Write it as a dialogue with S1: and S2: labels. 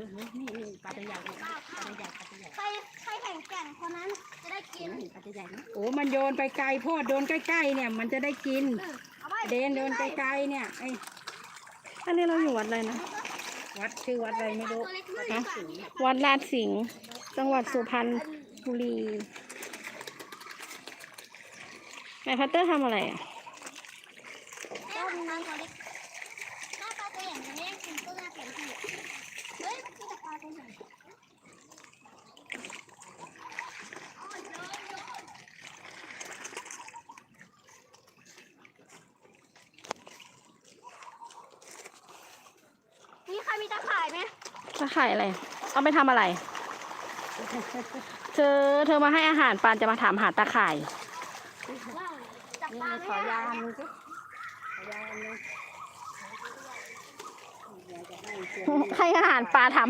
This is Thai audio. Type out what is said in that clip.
S1: นี่ปลาตัวใหญ่ปลาตัวใหญ่ปลาตัวใหญ่
S2: ใครแข่งแก่งคนนั้นจะได้กิน
S1: ปลาตัวใหญ่นะ
S3: โอ้มันโยนไปไกลพ่อโดนใกล้ๆเนี่ยมันจะได้กินเดนโดนไกลๆเนี่ยไอ
S4: อันนี้เราอยู่วัดอะไรนะ
S3: วัดชื่อวัดอะไรไม่รู้
S4: ฮะวัดลาดสิงห์จังหวัดสุพรรณบุรีแม่พัตเตอร์ทำอะไรอ่ะ
S2: ต้มน้ำตัวเล็กหน้าปลาตัวใหญ่จะแย่งกินตัวหน้าแข็งที่เฮ้ยมันคือปลาตัวใหญ่นี่ใครมีตะข่ายไหม
S4: จะขายอะไรเอาไปทำอะไร เธอมาให้อาหารปานจะมาถามหาตาข่าย
S2: จับ
S1: นี่
S2: ปลา
S1: ขอยาอันนึงสิขอยาอันนึง
S4: ให้อาหารปลาถาม